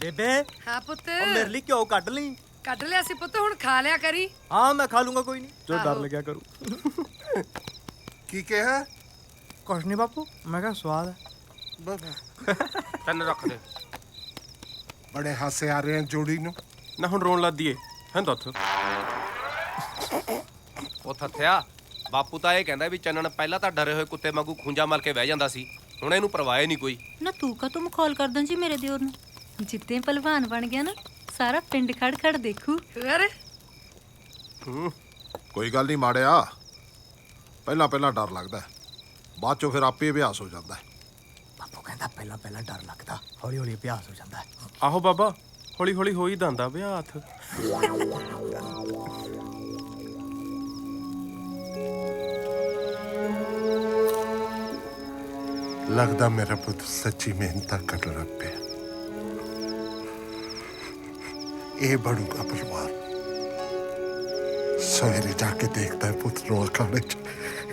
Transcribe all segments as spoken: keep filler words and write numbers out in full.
बेबे हाँ पुत और मेरे लिए क्यों कट ली? ਕੱਢ ਲਿਆ ਸੀ ਪੁੱਤ ਹੁਣ ਖਾ ਲਿਆ ਕਰੀ। हाँ मैं खा लूंगा कोई नहीं जो आहो। डर लग्या करूँ की कहा कुछ नहीं बापू मैं क्या स्वाद है ਤੈਨ ਰੱਖ ਦੇ बड़े हासे आ रहे हैं जोड़ी नु ਨਾ ਹੁਣ ਰੋਣ ਲੱਗ ਦੀਏ ਹੈਂ ਦੱਥ ਉਹ ਥੱਥਿਆ ਬਾਪੂ ਤਾਂ ਇਹ ਕਹਿੰਦਾ ਵੀ ਚੰਨਣ ਪਹਿਲਾਂ ਤਾਂ ਡਰੇ ਹੋਏ ਕੁੱਤੇ ਵਾਂਗੂ ਖੁੰਝਾ ਮਾਰ ਕੇ ਬਹਿ ਜਾਂਦਾ ਸੀ ਹੁਣ ਇਹਨੂੰ ਪਰਵਾਹ ਹੀ ਨਹੀਂ ਕੋਈ ਨਾ ਤੂੰ ਕਾ ਤੁਮ ਕਾਲ ਕਰਦਾਂ ਜੀ ਮੇਰੇ ਦਿਓਰ ਨੂੰ ਜਿੱਤੇ ਪਹਿਲਵਾਨ ਬਣ ਗਿਆ ਨਾ ਸਾਰਾ ਪਿੰਡ ਖੜ ਖੜ ਦੇਖੂ ਅਰੇ ਕੋਈ ਗੱਲ ਨਹੀਂ ਮਾੜਿਆ ਪਹਿਲਾਂ ਪਹਿਲਾਂ ਡਰ ਲੱਗਦਾ ਬਾਅਦ ਚੋਂ ਫਿਰ ਆਪੇ ਅਭਿਆਸ ਹੋ ਜਾਂਦਾ बापू कहता पहला पहला डर लगता हौली हौली अभ्यास हो जाता है ਆਹੋ ਬਾਬਾ ਹੌਲੀ ਹੌਲੀ ਹੋ ਹੀ ਜਾਂਦਾ ਵਿਆਹ ਹੱਥ लगदा मेरा पुत्र सच्ची मेहनत कर रहा पे ये बढ़ूंगा परिवार सवेरे जाके देखता है पुत्र रो अखाड़े च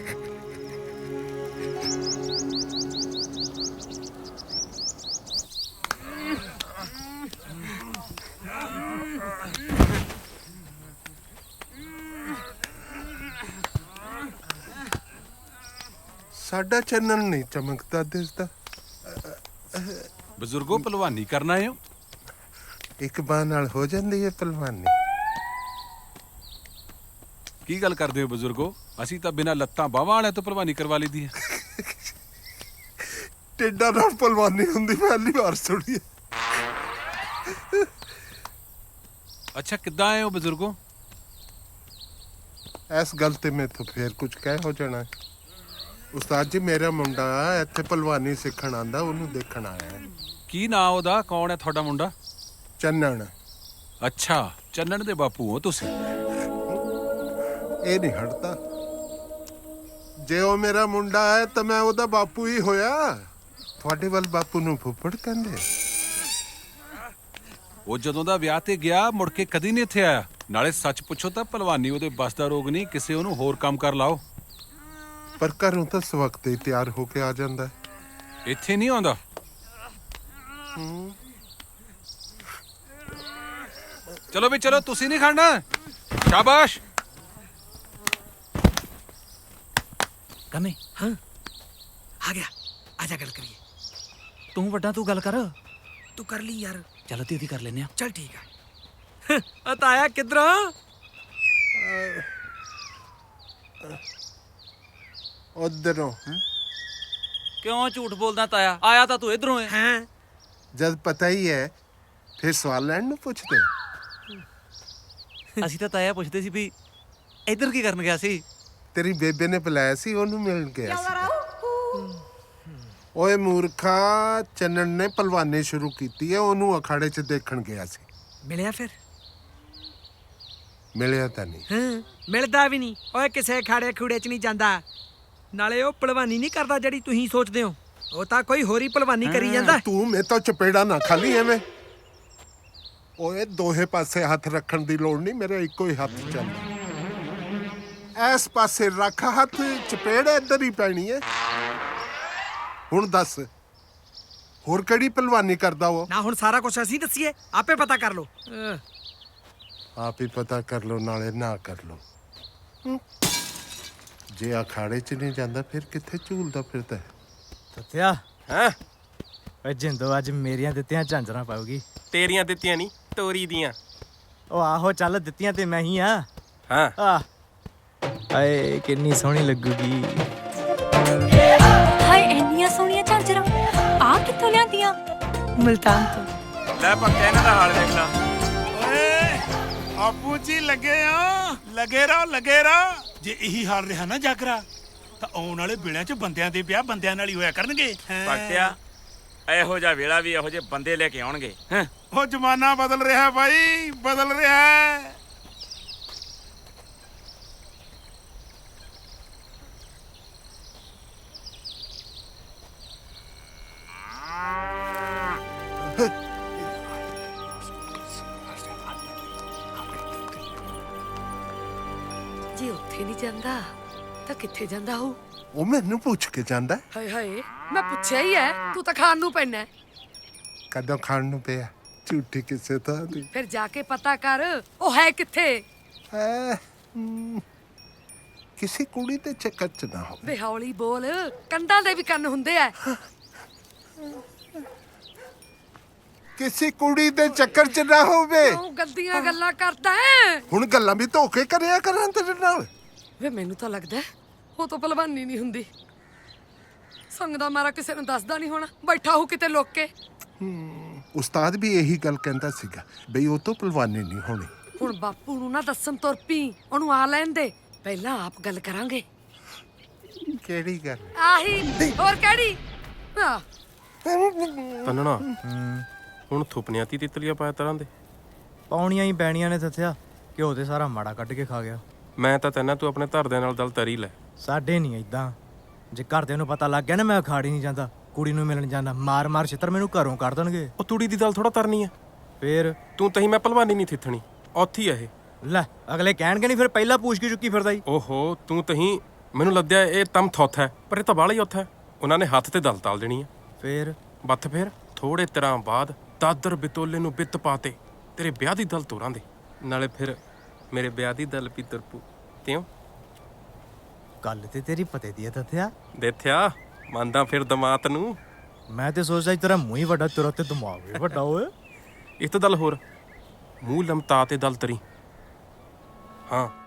साडा चैनल नहीं चमकता दिसदा ਬਜ਼ੁਰਗੋ ਪਹਿਲਵਾਨੀ ਕਰਨਾ ਹੈ एक बार नाल हो जाती है पहलवानी ਕੀ ਗੱਲ ਕਰਦੇ ਹੋ ਬਜ਼ੁਰਗੋ ਅਸੀਂ ਤਾਂ ਬਿਨਾਂ ਲੱਤਾਂ ਬਾਹਾਂ ਵਾਲਿਆਂ ਤੋਂ ਪਹਿਲਵਾਨੀ ਕਰਵਾ ਲਈਦੀ ਹੈ टेडा नाल पहलवानी हुंदी पहली बार सुनी है ਅੱਛਾ ਕਿੱਦਾਂ ਆਏ ਹੋ ਬਜ਼ੁਰਗੋ इस गल ते मैं तो फिर कुछ कह हो जाना है उस्ताद जी मेरा मुंडा इत्थे पहलवानी सीखण आंदा ओनू देखण आया है ਕੀ ਨਾਂ ਉਹਦਾ ਕੌਣ ਹੈ ਤੁਹਾਡਾ ਮੁੰਡਾ चन्नण ਅੱਛਾ ਚੰਨਣ ਦੇ ਬਾਪੂ ਹੋ ਤੁਸੀਂ ਇਹ ਨਹੀਂ ਹਟਦਾ ਜੇ ਉਹ ਮੇਰਾ ਮੁੰਡਾ ਹੈ ਤਾਂ ਮੈਂ ਉਹਦਾ ਬਾਪੂ ਹੀ ਹੋਇਆ ਤੁਹਾਡੇ ਵੱਲ ਬਾਪੂ ਨੂੰ ਫੁੱਫੜ ਕਹਿੰਦੇ ਉਹ ਜਦੋਂ ਦਾ ਵਿਆਹ ਤੇ ਗਿਆ ਮੁੜ ਕੇ ਕਦੀ ਨਹੀਂ ਇੱਥੇ ਆਇਆ ਨਾਲੇ ਸੱਚ ਪੁੱਛੋ ਤਾਂ ਪਹਿਲਵਾਨੀ ਉਹਦੇ ਬਸ ਦਾ ਰੋਗ ਨਹੀਂ ਕਿਸੇ ਉਹਨੂੰ ਹੋਰ ਕੰਮ ਕਰ ਲਾਓ ਪਰ ਘਰੋਂ ਤਾਂ ਇਸ ਵਕਤ ਹੀ ਤਿਆਰ ਹੋ ਕੇ ਆ ਜਾਂਦਾ ਹੈ। ਇੱਥੇ ਨਹੀਂ ਆਉਂਦਾ ਚਲੋ ਵੀ ਚਲੋ ਤੁਸੀਂ ਨਹੀਂ ਖਾਣਾ ਸ਼ਾਬਾਸ਼ कमे हाँ आ गया आजा गल करिए तू वड्डा तू गल कर तू कर ली यार चलो तेरी कर लेने चल ठीक है अताया किधर ਉਧਰੋਂ क्यों झूठ बोलदा ताया आया ਤਾਂ ਤੂੰ ਇਧਰੋਂ ਹੈ हैं ਜਦ ਪਤਾ ਹੀ ਹੈ ਫਿਰ ਸਵਾਲ ਲੈਣ ਨੂੰ ਪੁੱਛਦੇ ਅਸੀਂ ਤਾਂ ਤਾਇਆ ਪੁੱਛਦੇ ਸੀ ਵੀ ਇੱਧਰ ਕੀ ਕਰਨ ਗਿਆ ਸੀ ਤੇਰੀ ਬੇਬੇ ਨੇ ਬੁਲਾਇਆ ਸੀ ਉਹਨੂੰ ਮਿਲਣ ਗਿਆ ਸੀ ਓਏ ਮੂਰਖਾ ਚੰਨਣ ਨੇ ਪਹਿਲਵਾਨੀ ਸ਼ੁਰੂ ਕੀਤੀ ਹੈ ਉਹਨੂੰ ਅਖਾੜੇ 'ਚ ਦੇਖਣ ਗਿਆ ਸੀ मिलिया फिर ਮਿਲਿਆ ਤਾਂ ਨਹੀਂ ਹਾਂ ਮਿਲਦਾ ਵੀ ਨਹੀਂ ਓਏ ਕਿਸੇ ਖਾੜੇ ਖੂੜੇ 'ਚ ਨਹੀਂ ਜਾਂਦਾ ਨਾਲੇ ਉਹ ਪਹਿਲਵਾਨੀ ਨਹੀਂ ਕਰਦਾ ਜਿਹੜੀ ਤੁਸੀਂ ਸੋਚਦੇ ਹੋ ਉਹ ਤਾਂ ਕੋਈ ਹੋਰੀ ਪਹਿਲਵਾਨੀ ਕਰੀ ਜਾਂਦਾ ਤੂੰ ਮੇਰੇ ਤੋਂ ਚਪੇੜਾ ਨਾ ਖਾਲੀ ਐਵੇਂ ਓਏ ਦੋਹੇ ਪਾਸੇ ਹੱਥ ਰੱਖਣ ਦੀ ਲੋੜ ਨਹੀਂ ਮੇਰੇ ਇੱਕੋ ਹੀ ਹੱਥ ਚੱਲਦਾ ਇਸ ਪਾਸੇ ਰੱਖ ਹੱਥ ਚਪੇੜ ਇੱਧਰ ਹੀ ਪੈਣੀ ਹੈ ਹੁਣ ਦੱਸ ਹੋਰ ਕਿਹੜੀ ਪਹਿਲਵਾਨੀ ਕਰਦਾ ਉਹ ਨਾ ਹੁਣ ਸਾਰਾ ਕੁਝ ਅਸੀਂ ਦੱਸੀਏ ਆਪੇ ਪਤਾ ਕਰ ਲਓ ਆਪ ਹੀ ਪਤਾ ਕਰ ਲੋ ਨਾਲੇ ਨਾ ਕਰ ਲੋ ਜੇ ਅਖਾੜੇ 'ਚ ਨਹੀਂ ਜਾਂਦਾ ਫਿਰ ਕਿੱਥੇ ਝੂਲਦਾ ਫਿਰਦਾ ਹੈ ਸੱਤਿਆ ਹੈਂ ਓਏ ਜਿੰਦੋ ਅੱਜ ਮੇਰੀਆਂ ਦਿੱਤੀਆਂ ਝਾਂਜਰਾਂ ਪਾਉਗੀ ਤੇਰੀਆਂ ਦਿੱਤੀਆਂ ਨਹੀਂ ਤੋਰੀ ਦੀਆਂ ਉਹ ਆਹੋ ਚੱਲ ਦਿੱਤੀਆਂ ਤੇ ਮੈਂ ਹੀ ਆ ਹਾਂ ਆ ਆਏ ਕਿੰਨੀ ਸੋਹਣੀ ਲੱਗੂਗੀ ਹਾਏ ਇੰਨੀਆਂ ਸੋਹਣੀਆਂ ਝਾਂਜਰਾਂ ਆ ਕਿੱਥੋਂ ਲਿਆਂਦੀਆਂ ਮਲਤਾਨ ਤੋਂ ਲੈ ਪੱਕੇ ਇਹਨਾਂ ਦਾ ਹਾਲ ਦੇਖ ਲਾ ਓਏ ਆਪੂ ਜੀ ਲੱਗੇ ਆ ਲੱਗੇ ਰਹੋ ਲੱਗੇ ਰਹੋ ਜੇ ਇਹੀ ਹਾਲ ਰਿਹਾ ਨਾ ਜਾਗਰਾ ਤਾਂ ਆਉਣ ਵਾਲੇ ਵੇਲਿਆਂ 'ਚ ਬੰਦਿਆਂ ਦੇ ਵਿਆਹ ਬੰਦਿਆਂ ਨਾਲ ਹੀ ਹੋਇਆ ਕਰਨਗੇ ਪੱਟਿਆ ਇਹੋ ਜਿਹਾ ਵੇਲਾ ਵੀ ਇਹੋ ਜਿਹੇ ਬੰਦੇ ਲੈ ਕੇ ਆਉਣਗੇ ਹੈਂ ਉਹ ਜ਼ਮਾਨਾ ਬਦਲ ਰਿਹਾ ਬਾਈ ਬਦਲ ਰਿਹਾ ਜੇ ਉੱਥੇ ਨਹੀਂ ਜਾਂਦਾ ਤਾਂ ਕਿੱਥੇ ਜਾਂਦਾ ਹੋ ਉਹ ਮੈਨੂੰ ਪੁੱਛ ਕੇ ਜਾਂਦਾ ਹਾਏ ਹਾਏ ਮੈਂ ਪੁੱਛਿਆ ਹੀ ਐ ਤੂੰ ਤਾਂ ਖਾਣ ਨੂੰ ਪੈਣਾ ਕਦੋਂ ਖਾਣ ਨੂੰ ਪਿਆ ਝੂਠੀ ਕਿਸੇ ਥਾਂ ਦੀ ਫਿਰ ਜਾ ਕੇ ਪਤਾ ਕਰ ਉਹ ਹੈ ਕਿੱਥੇ। ਐ, ਹਮ, ਕਿਸੇ ਕੁੜੀ ਦੇ ਚੱਕਰ ਚ ਨਾ ਹੋ। ਵੇ ਹੌਲੀ ਬੋਲ, ਕੰਧਾਂ ਦੇ ਵੀ ਕੰਨ ਹੁੰਦੇ ਆ। ਕਿਸੇ ਕੁੜੀ ਦੇ ਚੱਕਰ ਚ ਨਾ ਹੋਵੇ। ਕਿਉਂ ਗੰਦੀਆਂ ਗੱਲਾਂ ਕਰਦਾ ਹੈ? ਹੁਣ ਗੱਲਾਂ ਵੀ ਧੋਖੇ ਕਰਿਆ ਕਰਾਂ ਤੇਰੇ ਨਾਲ। ਵੇ ਮੈਨੂੰ ਤਾਂ ਲੱਗਦਾ ਹੈ, ਉਹ ਤਾਂ ਭਲਵਾਨੀ ਨਹੀਂ ਹੁੰਦੀ। ਸੰਗ ਦਾ ਮਾਰਾ ਕਿਸੇ ਨੂੰ ਦੱਸਦਾ ਨਹੀਂ ਹੋਣਾ, ਬੈਠਾ ਹੋ ਕਿਤੇ ਲੁੱਕ ਕੇ। ਉਸਤਾਦ ਵੀ ਇਹੀ ਗੱਲ ਕਹਿੰਦਾ ਸੀਗਾ ਬਈ ਉਹ ਤੋਂ ਪਹਿਲਵਾਨੀ ਨਹੀਂ ਹੋਣੀ। ਹੁਣ ਬਾਪੂ ਨੂੰ ਨਾ ਦੱਸਣ ਤੁਰ ਪਈ, ਉਹਨੂੰ ਆ ਲੈਣ ਦੇ, ਪਹਿਲਾਂ ਆਪ ਗੱਲ ਕਰਾਂਗੇ। ਕਿਹੜੀ ਗੱਲ? ਆਹੀ ਹੋਰ ਕਿਹੜੀ? ਆ ਤੰਨਣਾ ਹੁਣ ਥੁਪਨਿਆਂ ਤੀ ਤਿਤਲੀਆਂ ਪਾਇਆ ਤਰ੍ਹਾਂ ਦੇ ਪਾਉਣੀਆਂ ਹੀ ਪੈਣੀਆਂ ਨੇ ਦੱਸਿਆ। ਘਿਓ ਤੇ ਸਾਰਾ ਮਾੜਾ ਕੱਢ ਕੇ ਖਾ ਗਿਆ। ਮੈਂ ਤਾਂ ਤੈਨਾਂ ਤੂੰ ਆਪਣੇ ਧਰਦਿਆਂ ਨਾਲ ਦਲ ਤਰੀ ਲੈ। ਸਾਡੇ ਨਹੀਂ ਇਦਾਂ। ਜੇ ਘਰਦਿਆਂ ਨੂੰ ਪਤਾ ਲੱਗ ਗਿਆ ਨਾ ਮੈਂ ਅਖਾੜੀ ਨਹੀਂ ਜਾਂਦਾ, ਕੁੜੀ ਨੂੰ ਮਿਲਣ ਜਾਂਦਾ, ਮਾਰ ਮਾਰ ਛਿੱਤਰ ਮੈਨੂੰ ਘਰੋਂ ਕੱਢ ਦੇਣਗੇ। ਉਹ ਤੂੜੀ ਦੀ ਦਲ ਥੋੜਾ ਤਰਨੀ ਆ। ਫੇਰ ਤੂੰ ਤਹੀਂ ਮੈਂ ਭਲਵਾਨੀ ਨਹੀਂ ਥਿੱਥਣੀ, ਔਥੀ ਆ ਇਹ। ਲੈ ਅਗਲੇ ਕਹਿਣਗੇ ਨਹੀਂ ਫਿਰ ਪਹਿਲਾਂ ਪੁੱਛ ਕੇ ਚੁੱਕੀ ਫਿਰਦਾ ਹੀ। ਓਹੋ ਤੂੰ ਤਹੀਂ ਮੈਨੂੰ ਲੱਦਿਆ ਇਹ ਤਮ ਥੋਥ ਹੈ, ਪਰ ਇਹ ਤਾਂ ਬਾਹਲਾ ਹੀ ਔਥ ਹੈ। ਉਹਨਾਂ ਨੇ ਹੱਥ ਤੇ ਦਲ ਤਾਲ ਦੇਣੀ ਆ। ਫੇਰ ਬੱਥ ਫੇਰ ਥੋੜੇ ਤਰ੍ਹਾਂ ਬਾਅਦ ਦਾਦਰ ਬਿਤੋਲੇ ਨੂੰ ਬਿੱਤ ਪਾਤੇ ਤੇਰੇ ਵਿਆਹ ਦੀ ਦਲ ਤੋਰਾਂ ਦੇ ਨਾਲੇ ਫਿਰ ਮੇਰੇ ਵਿਆਹ ਦੀ ਦਲ ਵੀ ਤੁਰਪੂ ਤਿਉ ਗੱਲ ਤੇ ਤੇਰੀ ਪਤੇ ਦੀ ਹੈ ਦੱਸਿਆ। ਦੇਖਿਆ ਮੰਨਦਾ ਫਿਰ ਦਮਾਤ ਨੂੰ। ਮੈਂ ਤੇ ਸੋਚਦਾ ਤੇਰਾ ਮੂੰਹ ਹੀ ਵੱਡਾ, ਤੇਰਾ ਤੇ ਦਿਮਾਗ ਵੀ ਵੱਡਾ ਓਏ। ਇੱਕ ਤਾਂ ਦਲ ਹੋਰ ਮੂੰਹ ਲਮਤਾ ਤੇ ਦਲ ਤਰੀ। ਹਾਂ